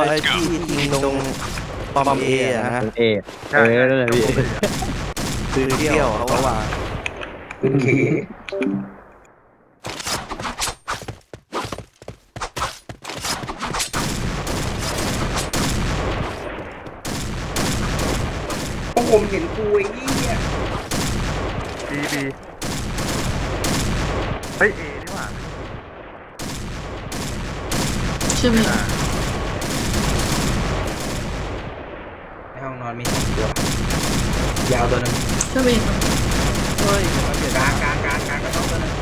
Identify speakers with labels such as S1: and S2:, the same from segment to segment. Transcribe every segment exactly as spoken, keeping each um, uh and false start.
S1: ไอ้ที่ยิงตรงปอมเอนะฮะ
S2: เอเออนั่นแหละพี่
S1: คือเที่ยวเขาว่า
S3: คุณเคพวกผมเห็นกูไอ้ยี่เนี่ย
S4: บีบีเฮ้ยเอนี่หว่า
S5: ใช่ไหม
S3: ในห้องนอนมีสองตัว ยาวตัวหนึง
S5: ใช่ไหม
S1: เฮ้ย
S3: กลางกลางกลางกลางก็ต้องตัวหนึง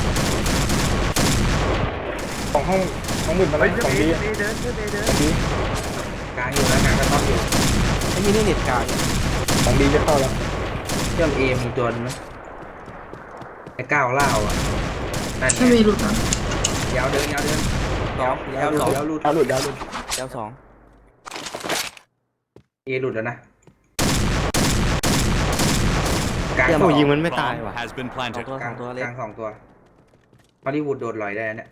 S6: ของห้องห้องมืดมา
S4: เฮ้
S6: แล้
S4: ยว
S6: ของ
S4: เอ
S6: ดี
S4: เอเดินเดินเดิน
S6: ของดี
S3: กลางอยู่แล้วกลางก็ต้องอยู่
S1: ไอ้ยี่นี่เน็ตกลาง
S6: ของดีจะเข้าแล้ว
S3: เชื่อมเอมีตัวหนึงไหมไอ้ก้าวเล่าอ่ะนั่นไง
S5: ใช่ไหมหลุดนะ
S3: ยาวเดินยาวเดิน
S1: สอง
S3: ยาวย
S1: าว
S3: หลุ
S1: ส
S3: ด
S1: อง
S3: ยาวหลุด
S6: ดาวหลุดดาวหลุด
S1: ยาวสอง
S3: เอหลุดแล้วนะกลาง
S1: เที่ยว
S3: สอง
S2: ยิงมันไม่ตาย
S7: Bomb
S2: ว่ะ
S7: has been
S1: สอง
S7: planted.
S1: ตัว
S3: ก
S1: ส
S3: ลา
S1: อง งตัวเล็
S3: ก
S1: ก
S3: ลางสองตัวฮอลลีวูดโดดลอยได้เนี่ย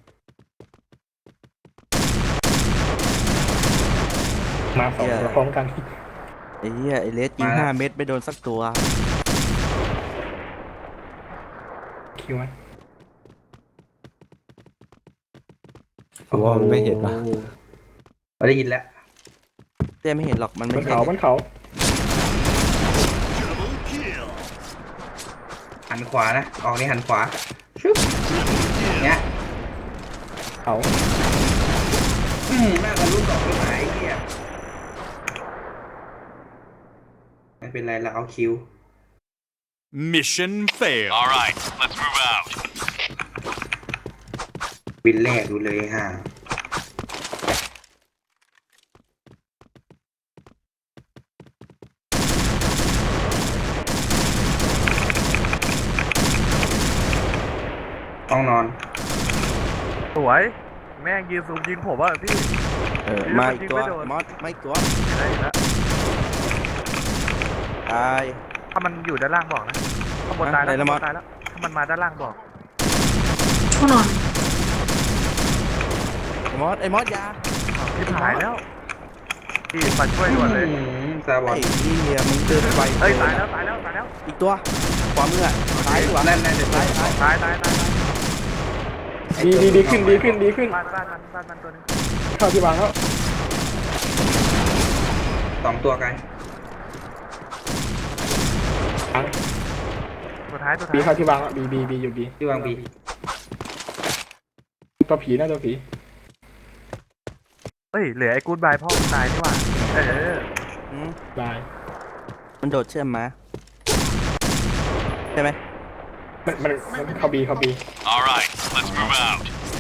S6: มาสองตัวพร้อมกัน
S1: ไอ้เหี้ยไอ้เลสยิงห้าเม็ดไม่โดนสักตัว
S6: คิวไหม
S2: ผมว่ามันไม่เห็นป่ะ
S3: เราได้ยินแล้ว
S1: เต้ไม่เห็นหรอกมัน
S6: บ
S1: ไม่
S6: น
S1: ใช่
S6: เขาบนเขา
S3: หันขวานะออกนี่หันขวาชึบเนี้ย
S6: เขา
S3: อืมน่าจะรู้ต่อไปไหนไอ้เหี้ยไม่เป็นไรเราเอาคิว
S7: Mission failed. All right, let's move out.
S3: วินแรกดูเลยฮะต้องนอน
S4: สวยแม่งยืนซูมยิงผมอ่ะพี่
S1: เออมาอีกตัวมอสไม่ตัว
S4: ได้แล้ว
S1: ตาย
S4: ถ้ามันอยู่ด้านล่างบอกนะข้างบนตายแล้ว
S1: ไหนละ
S4: ข้าง
S1: ม
S4: บ
S1: อส
S4: นตายแล้วถ้ามันมาด้านล่างบอก
S5: ห้องนอน
S1: ไอ้มอสไอ้มอสยา
S4: ที่หายแล้วพี่มาช่วยด่วนเลย
S3: อืมซาบอ
S1: ไอ้
S3: น
S1: เหี้ยมึงเดินไป
S4: เอ้ยตายแล้วตายแล้วตายแล้ว
S1: อีกตัวขวามืออ่ะซ้ายดีกว่า
S3: นั่นนั่นเดี๋ยว
S1: ซ้ายซ้าย
S4: ตายตายตายตาย
S6: ดีดีดีขึ้นดีขึ้นดีขึ้น
S4: บ้านบ้านมันบ้านมันตัวนึง
S6: เข้าที่วางแล้ว
S3: สองตัวกัน
S6: อัง
S4: ตัวท้ายตัว
S6: บี
S4: ท้าย
S6: เข้าที่วางแล้วบีบีบีอยู่บี
S3: ที่วางบี
S6: ตัวผีนะตัวผี
S4: เอ้ยเหลือไอ้กู๊ดบายพ่อมันตายนี่หว่าเออ
S1: อืม
S6: บาย
S1: มันโดดเชื่อมมาใช่ไหม
S6: มันมันมันเข้าบีเข้าบี
S7: All right, let's move out.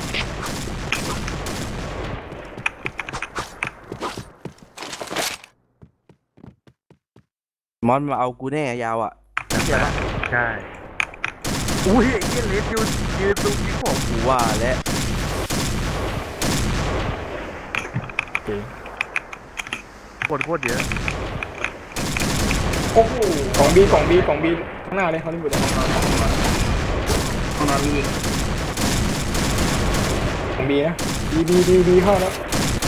S1: มอสมาเอากูแน่ยาวอ่ะเชื่อปะ
S4: ใช่อุ้ยไอ้เหี้ยเลสยืนยืนซูมยิงผม
S1: กูว่าแล้ว
S6: โอเค
S4: กดโคตรเยอะ
S3: โอ้โห
S6: ของบีของบีของบีข้างหน้าเลยเขาที่บุตร
S3: ห้องนอนมีอีก
S6: ของบีนะบีบีบีบีเข้าแล้ว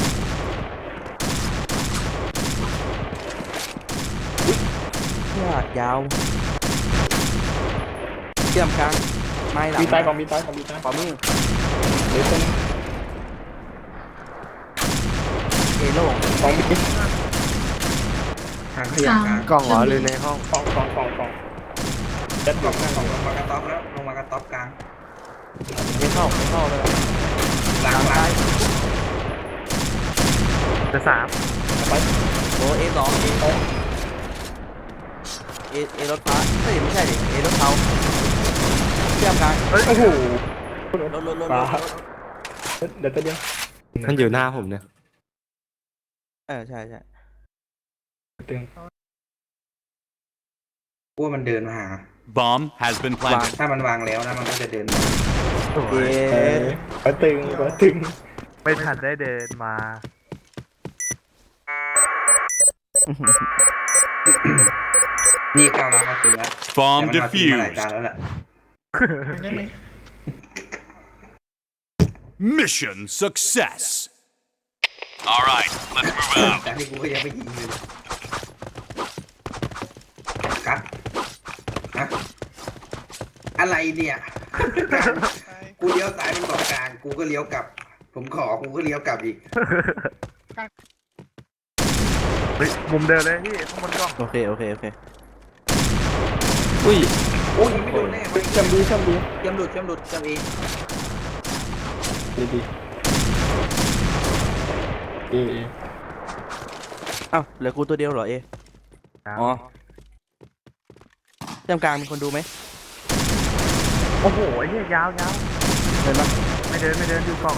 S1: เนี่ยยาวเชื่อมกลางไม่หลัง
S6: บีตายของบีตายของบีตาย
S1: ขวามือ
S6: เดี๋ยวตัวนึง
S1: เอโล่ง
S6: ของบี
S3: ทางขยะกลาง
S2: กล้องเหรอหรือในห้อง
S6: กองกองกองกองยัด
S3: ก
S6: ก
S3: ล่
S6: อ
S3: อง ง
S6: หน้าก
S3: ล่
S6: อ
S3: อง งลงมากระต๊อบแล้วลงมากระต๊อบกลาง
S1: ไม่เข้าไม่เข้าเลย
S3: หลังหลัง
S4: จะสาม
S6: ไป
S1: โอ้เอสองเอเอเอรถฟ้าเฮ้ยไม่ใช่ดิเอรถเทาเชื่อมกลาง
S4: เอ้ย
S6: โอ้โห
S1: รถรถรถรถ
S6: ฟ้าเดี๋ยวตัวเดียว
S2: มันอยู่หน้าผมเนี่ย
S1: เออใช่ใช่
S6: ตึง
S3: ว่ามันเดินมาหา
S7: Bomb has been planted.
S3: ถ้ามันวางแล้วนะมันก็จะเดินมา
S4: สว
S1: เอย
S6: เออหัวตึงหัวตึง
S4: ไม่ทันได้เดินมา
S3: นี่ก้าวรับมาตึงแล้ว
S7: Bomb
S3: แต่มันมาตึงมาหลาย
S7: defused.
S3: ตาแล้วแหละ
S7: Mission success. All right, let's move out.
S3: แต่ที่กูก็ยังไม่ยิงเลยกัดฮะอะไรเนี่ย กูเลี้ยวซ้ายเป็นเกาะกลาง กูก็เลี้ยวกลับ ผมขอ กูก็เลี้ยวกลับอีก
S4: เฮ้ยมุมเดินเลยพี่ข้างบนกล้อง
S1: โอเคโอเคโอเค
S2: อุ้ย
S3: โอ้ยยิงไม่โดนแน่ไป
S6: จำดีจำดี
S3: เชื่อมหลุดเชื่อมหลุดเชื่อมเอง
S6: ดีดีเอเอ
S1: เอ้าเหลือกูตัวเดียวเหรอเออ๋อเชื่อมกลางมีคนดูไหม
S4: โอ้โหไอ้เหี้ยยาวยาว
S1: เดินปะ
S4: ไม่เดินไม่เดินอยู่กล้อง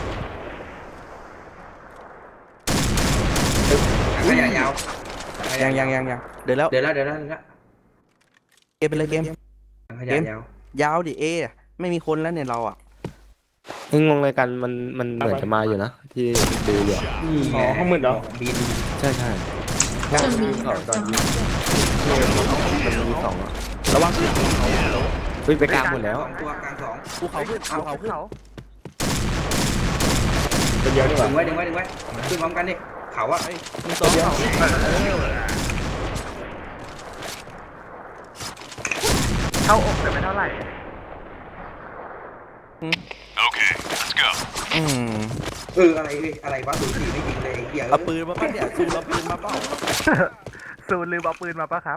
S3: ถังขยะยาวถัข
S1: ยั
S3: ยะ
S1: งยังยังยังเดินแล้ว
S3: เดี๋ยวแล้วเดี๋ยวแล้วเดี๋ยวแล้ว
S1: เกมไปเลยเกม
S3: ถังขยะยาว
S1: ยาวดิเอไม่มีคนแล้วเนี่ยเราอ่ะ
S2: นี่งงเลยกันมันมันเหมือนจะมาอยู่นะที่ดูอยู่อะ
S3: นี่ไง
S6: อ๋อข้างมืดเหรอ
S3: บิน
S2: ใช่ใช่
S5: เชื่อมบี
S2: สองตอนนี้มันมีสองอะ
S1: ระวังขึ้น
S2: เฮ้ยไปกลางหมดแล้ว
S3: สองตัวกลางสอง
S1: ภูเขาขึ้นภูเขาขึ้น
S4: เขา
S6: เป็นเยอะดีก
S3: ดึ
S6: ว่าง
S3: ไว้ดึงไว้ดึงไว้ขึ้นพร้อมกันดิเขาอะ
S1: มีสองเขา
S4: เข้าอกแต่ไม่เท่าไหร่
S7: Okay, let's go.
S1: อืม
S3: เอออะไรเอ้ยอะไรวะศูนย์สี่ไม่ยิงเลยไอ้เหี้ย
S1: เอาปืนมาป่ะเนี่ยซูมเอาปืนมาเปล่า
S4: ซูนลืมเอาปืนมาปะครับ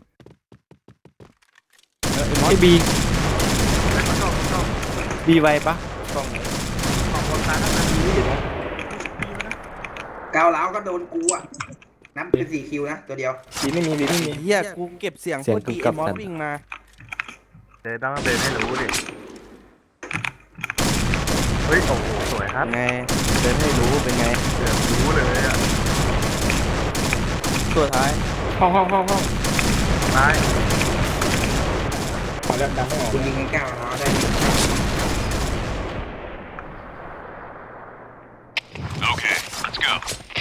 S1: เออไอ้มอ
S2: ไอ้
S1: ส
S2: บี
S4: ไม่ต้องต้องต้อง
S2: บีไวปะ
S4: ของคนตาทั้งนั้น
S3: ก้าวร้าวก็โดนกูอะนับเป็นสี่คิวนะตัวเดียว
S6: บีไม่มีบีไม่มี
S1: เฮียกูเก็บเสียงโคตรดีไอ้มอสวิ่งมา
S4: เดินต้องเดินให้รู้ดิเฮ้ยโอ้โหสวยครับ
S1: ไงเดินให้รู้เป็นไง
S4: เดินรู้เลยอ่ะ
S1: ตัวท้าย
S6: ห้องห้องห้องห้อง
S4: ตาย
S6: ขอแล้วดังไม่ออก
S3: คุณยิงกันก้าวร้าวได้
S7: Okay, let's go.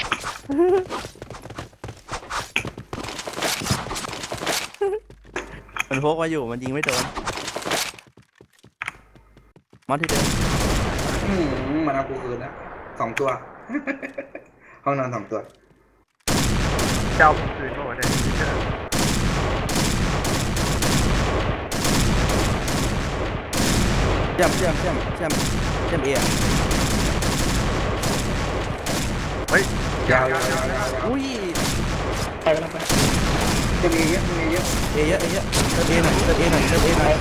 S1: มันพกมาอยู่มันยิงไม่โดนมอสที่เดิม
S3: อืมมันเอากูคืนแล้วสองตัว ห้องนอนสองตัว
S4: เจ้าผมคืนก็ว่าได้ที่เจอ
S1: เชื่อมเชื่อมเชื่อมเชื่อมเชื่อมเออะ
S4: เฮ้ย
S3: ยาวยาวยาวยาวยาว
S1: อุ้ย
S6: ไปไปไป
S3: จะมีเยอะมีเยอะ
S1: เอเยอะเอเยอะเติมเอหน่อยเติมเอหน่อยเติมเอหน่อย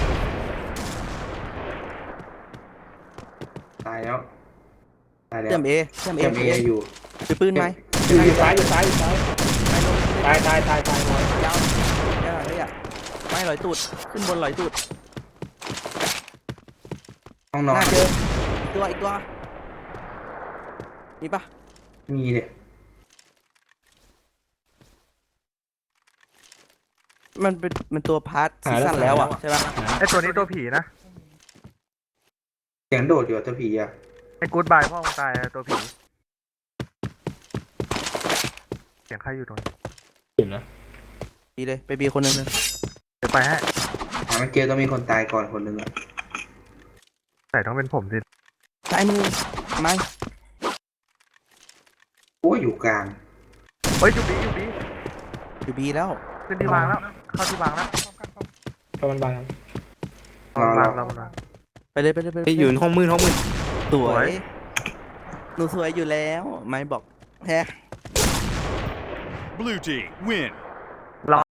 S3: ตายแล้วตายแล้ว
S1: เชื่อมเอเชื่อมเอ
S3: เอ็มเออยู่
S1: ถือปืนไหม
S6: อยู่อยู่ซ้ายอยู่ซ้ายอยู่ซ้ายตายตายตายตายตาย
S1: ยาวยาวเลยอ่ะไม่ลอยตูดขึ้นบนลอยตูด
S3: ห้องน
S1: ห
S3: อน
S1: น้าเจออีกตัวอีกตัวมีปะ
S3: มีเนี่ย
S1: มันเป็นมันตัวพาร์ทซีซั่นแล้วอ่ะใช่ปะ
S4: ไอตัวนี้ตัวผีนะ
S3: เสียงโดดอยู่ตัวผีอะ
S4: ไอกู๊ดบายพ่อมึงตายตัวผีเสียงใครอยู่ตรงนี้
S6: เห็นนะ
S1: บีเลยไปบีคนหนึงเลย
S4: เดี๋ยวไปให้
S3: หามันเจอต้องมีคนตายก่อนคนหนึ่งอะ
S4: แต่ต้องเป็นผมสิ
S1: ซ้ายมือไม่
S3: โอ้ยอยู่กลาง
S4: เฮ้ยอยู่บีอยู่บี
S1: อยู่บีแล้ว
S4: ขึ้นที่วางแล้ว เข้าที่วางแล้ว
S6: เพราะมันบาง
S3: รอ
S4: วาง
S3: เรา
S4: วางวาง
S1: ไปเลยไปเลยไปเลย
S2: ไปอยู่ห้องมืดห้องมืด
S1: สว
S4: สวย ย
S1: หนูสวยอยู่แล้วไม่บอกแฮะ
S7: Blue team, win.